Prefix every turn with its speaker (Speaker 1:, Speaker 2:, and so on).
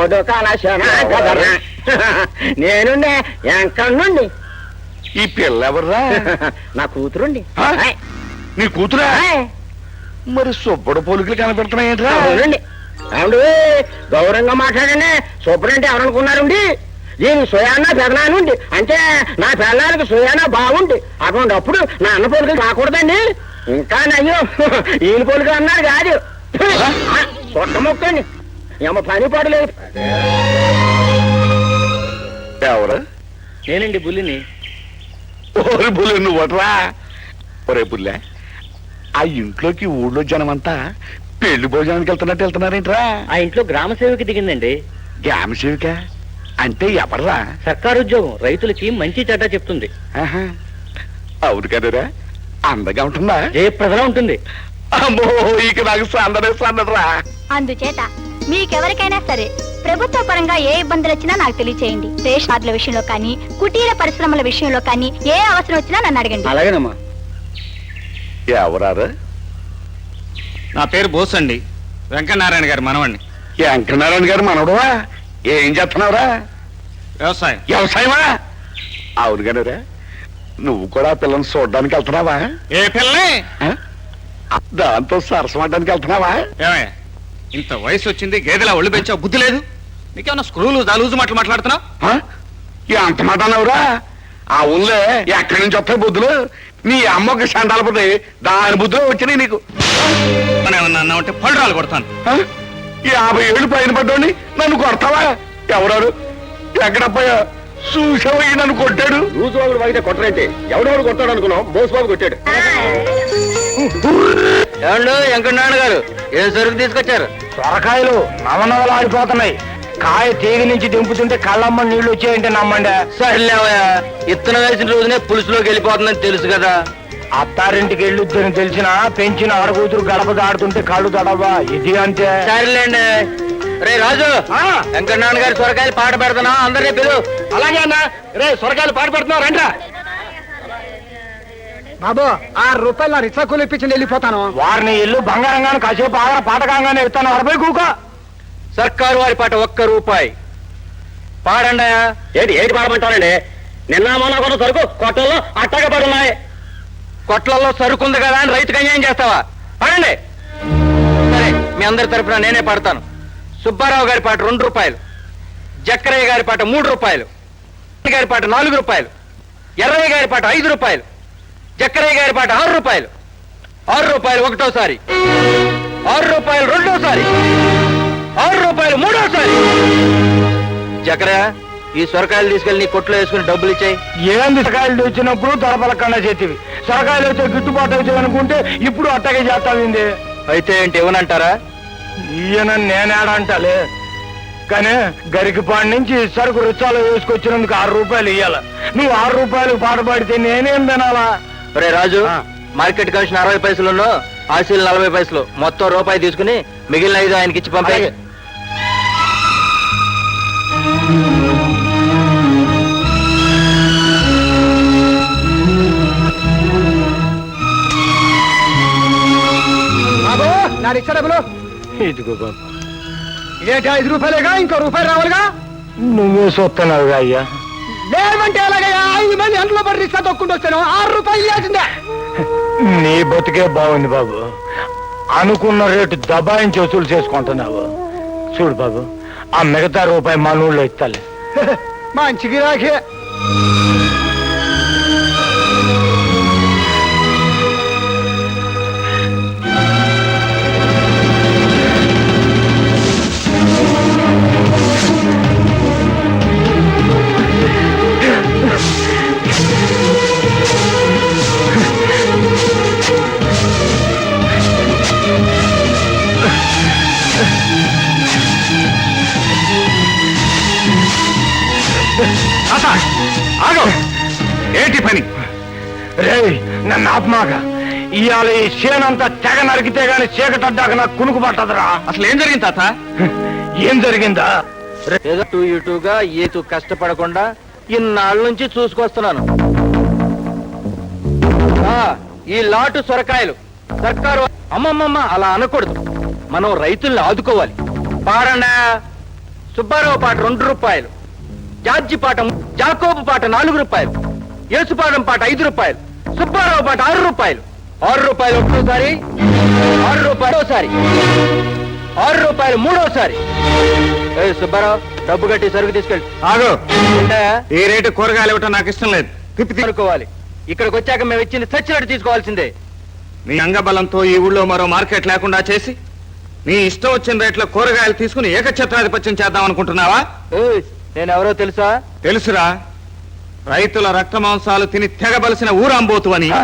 Speaker 1: బతుకాలశన కదరా. నేనుండే ఎంకన్నుండి.
Speaker 2: ఈ పిల్ల ఎవర్రా?
Speaker 1: నా కూతురుండి.
Speaker 2: నీ కూతురా? మరి సుబ్బడు పోలికలు కనపెడుతున్నాయేంట్రా?
Speaker 1: అవునండి. అవును, గౌరవంగా మాట్లాడండి. సూపరంటే ఎవరనుకున్నారండి? దీని సుయానా పెదనానుండి అంటే నా పెళ్ళానికి సుయానా బాగుండి అటువంటిప్పుడు నా అన్న పోలికలు రాకూడదండి. ఇంకా నయ్యో ఈయన పోలికలు అన్నారు కాదు. సొట్ట మొక్కండి, ఏమో పని పడలేదు.
Speaker 2: ఎవరు?
Speaker 1: నేనండి బుల్లిని.
Speaker 2: ఓరి బుల్లి నువ్వట్రా? ఒరే బుల్లె, ఆ ఇంట్లోకి ఊళ్ళో జనమంతా పెళ్లి భోజనానికి వెళ్తున్నారేంట్రా?
Speaker 1: ఆ ఇంట్లో గ్రామ సేవకి దిగిందండి.
Speaker 2: గ్రామ సేవిక అంటే ఎవర్రా?
Speaker 1: సర్కారు ఉద్యోగం, రైతులకి మంచి చెడ్డ చెప్తుంది.
Speaker 2: అవును కదరా, అందగా ఉంటుందా?
Speaker 1: జయప్రదలా ఉంటుంది.
Speaker 2: అమ్మో, ఇక నాకు సందడరా.
Speaker 3: అందుచేత మీకెవరికైనా సరే ప్రభుత్వ పరంగా ఏ ఇబ్బందులు వచ్చినా నాకు తెలియచేయండి. రేషన్ కార్డుల విషయంలో కానీ, కుటీర పరిశ్రమల విషయంలో కానీ ఏ అవసరం వచ్చినా నన్ను అడగండి.
Speaker 1: అలాగేనమ్మా.
Speaker 2: ఎవరారు?
Speaker 4: నా పేరు బోస్ అండి, వెంకటనారాయణ గారి మనవండి.
Speaker 2: వెంకటనారాయణ గారు మనవడువా? ఏం చేస్తున్నావురా?
Speaker 4: వ్యవసాయం.
Speaker 2: వ్యవసాయమా? అవును కదరా, నువ్వు కూడా పిల్లల్ని చూడడానికి వెళ్తున్నావా?
Speaker 4: ఏ పిల్లనే?
Speaker 2: దాంతో సరసమడ్డానికి వెళ్తున్నావా?
Speaker 4: ఏమయ్య, ఇంత వయసు వచ్చింది, గేదెలా ఒళ్ళు పెంచావు, బుద్ధి లేదు నీకేమన్నా? స్క్రూలు దాలూజు మాటలు మాట్లాడుతున్నావు?
Speaker 2: అంత మాట అన్నావురా? ఆ ఊళ్ళో ఎక్కడి నుంచి వస్తాయి బుద్ధులు? నీ అమ్మకి సండాలపోతే దాని బుద్ధులు వచ్చినాయి నీకు.
Speaker 4: మనం ఏమన్నా అన్నామంటే పళ్ళు కొడతాను.
Speaker 2: 50 ఏళ్ళు పైన పడ్డాని నన్ను కొడతావా? ఎవరారు? ఎక్కడపోయా చూసావు? నన్ను కొట్టాడు.
Speaker 1: రోజు వాగితే కొట్టరేంటి? ఎవడెవడు కొట్టాడు అనుకున్నావు? బోసుబాబు కొట్టాడు.
Speaker 5: ఏమండు వెంకటనారాయణ గారు, ఏం సరుకు తీసుకొచ్చారు?
Speaker 6: సొరకాయలు నవనవలాడిపోతున్నాయి. కాయ తీగ నుంచి దింపుతుంటే కళ్ళమ్మ నీళ్లు వచ్చాయంటే నమ్మండి.
Speaker 5: సర్లేవయ్యా, ఇత్తనం వేసిన రోజునే పులుసులోకి వెళ్ళిపోతుందని తెలుసు కదా.
Speaker 6: అత్తారింటికి వెళ్ళొద్దని తెలిసినా పెంచిన ఆడకూతురు గడప దాడుతుంటే కళ్ళు తడవా? ఇది అంతే.
Speaker 5: సరేలేండి. రే రాజు, వెంకటనారాయణ గారి సొరకాయలు పాట పెడతానా? అందరినీ పిలు.
Speaker 6: అలాగే అన్న. రే సొరకాయలు పాటు పెడుతున్నావు రండ్రా.
Speaker 1: బాబు, 6 రూపాయలు నా రిక్షా కూలి ఇప్పించి వెళ్ళిపోతాను.
Speaker 6: వారిని ఇల్లు బంగారంగాను కాసేపు ఆగర పాటకంగానే ఇస్తాను. 40 కూక.
Speaker 5: సర్కారు వారి పాట ₹1 పాడండి.
Speaker 1: ఏంటి పాడమంటారండి? నిన్న మొన్న కూడా సరుకు కొట్టల్లో అట్టగా పడున్నాయి.
Speaker 5: కొట్లలో సరుకుంది కదా అని రైతుకు అన్యాయం చేస్తావా? పాడండి. సరే, మీ అందరి తరపున నేనే పాడతాను. సుబ్బారావు గారి పాట ₹2, జక్కరయ్య గారి పాట ₹3, గారి పాట ₹4, ఎర్రయ్య గారి పాట ₹5, జక్కరయ్య గారి పాట ₹6, ₹6 ఒకటోసారి, ₹6 రెండోసారి, ₹6 మూడోసారి. జక్కరయ్య, ఈ సొరకాయలు తీసుకెళ్లి నీ కొట్లో వేసుకుని డబ్బులు ఇచ్చాయి.
Speaker 6: ఏంది సొరకాయలు తెచ్చినప్పుడు తొడపలకన్నా చేతివి, సొరకాయలు వచ్చే గిట్టుబాటు అవుతాయి అనుకుంటే ఇప్పుడు అట్టగే చేస్తావింది.
Speaker 5: అయితే ఏంటి ఇవ్వనంటారా?
Speaker 6: ఈయన నేనేడంటలే, కానీ గరికిపాడి నుంచి సరుకు రుచాలు వేసుకొచ్చినందుకు ₹6 ఇయ్యాల. నువ్వు ₹6 పాట పాడితే నేనేం తినాలా?
Speaker 5: రే రాజు, మార్కెట్ కమిషన్ 60 పైసలు, ఆశీలు 40 పైసలు, మొత్తం ₹1 తీసుకుని మిగిలిన 5 ఆయనకి ఇచ్చి పంపాయి.
Speaker 1: బాబు, నా రిక్షా డబ్బులు.
Speaker 6: ఇదిగో బాబు.
Speaker 1: ఇదేంటి ₹5 ఇంకో ₹1 రావాలిగా?
Speaker 6: నువ్వే చూస్తున్నావుగా అయ్యా.
Speaker 1: లేవంటే ఎలాగయ్యా? 5 మంది ఎంతలో పడి రిక్షా తొక్కుంటూ వచ్చాను. ₹6 ఇవ్వాల్సిందే.
Speaker 6: నీ బతికే బాగుంది బాబు. అనుకున్న రేటు దబాయించి వసూలు చేసుకుంటున్నావు. చూడు బాబు, ఆ మిగతా ₹1 మా నూళ్ళో ఇస్తాలే.
Speaker 1: మంచి గిరాకే.
Speaker 2: ఏంటి పని?
Speaker 6: రే నన్ను ఆత్మాగా, ఇవాళ ఈ చేనంతా తెగ నరికితే గాని చీకటడ్డాక నాకు కునుకు పట్టదురా.
Speaker 4: అసలు ఏం జరిగింది తాత?
Speaker 6: ఏం జరిగిందా?
Speaker 5: ఏదో టూ ఇటుగా ఏతు కష్టపడకుండా ఇన్నాళ్ళ నుంచి చూసుకొస్తున్నాను. ఈ లాటు సొరకాయలు సర్కారు అమ్మమ్మమ్మ అలా అనకూడదు. మనం రైతుల్ని ఆదుకోవాలి. పాడండా. సుబ్బారావు పాట 2 రూపాయలు, జార్జి పాట జాకోబు పాట 4 రూపాయలు, యేసుపాదం పాట 5 రూపాయలు, సుబ్బారావు పాట 6 రూపాయలు. 6 రూపాయలు ఒకటోసారి, 6 రూపాయలు ఒకసారి, 6 రూపాయలు మూడోసారి. సుబ్బారావు డబ్బు కట్టి సరుకు తీసుకెళ్ళి
Speaker 4: ఆగు. ఈ రేటు కూరగాయలు ఇవ్వటం నాకు ఇష్టం లేదు.
Speaker 5: అనుకోవాలి. ఇక్కడికి వచ్చాక మేము ఇచ్చింది చచ్చినట్టు తీసుకోవాల్సిందే.
Speaker 4: నీ అంగబలంతో ఈ ఊళ్ళో మరో మార్కెట్ లేకుండా చేసి నీ ఇష్టం వచ్చిన రేట్లో కూరగాయలు తీసుకుని ఏకఛత్రాధిపత్యం చేద్దాం అనుకుంటున్నావా?
Speaker 5: నేను ఎవరో తెలుసా?
Speaker 4: తెలుసురా, రైతుల రక్త మాంసాలు తిని తెగబలిసిన ఊరాంబోతు అని.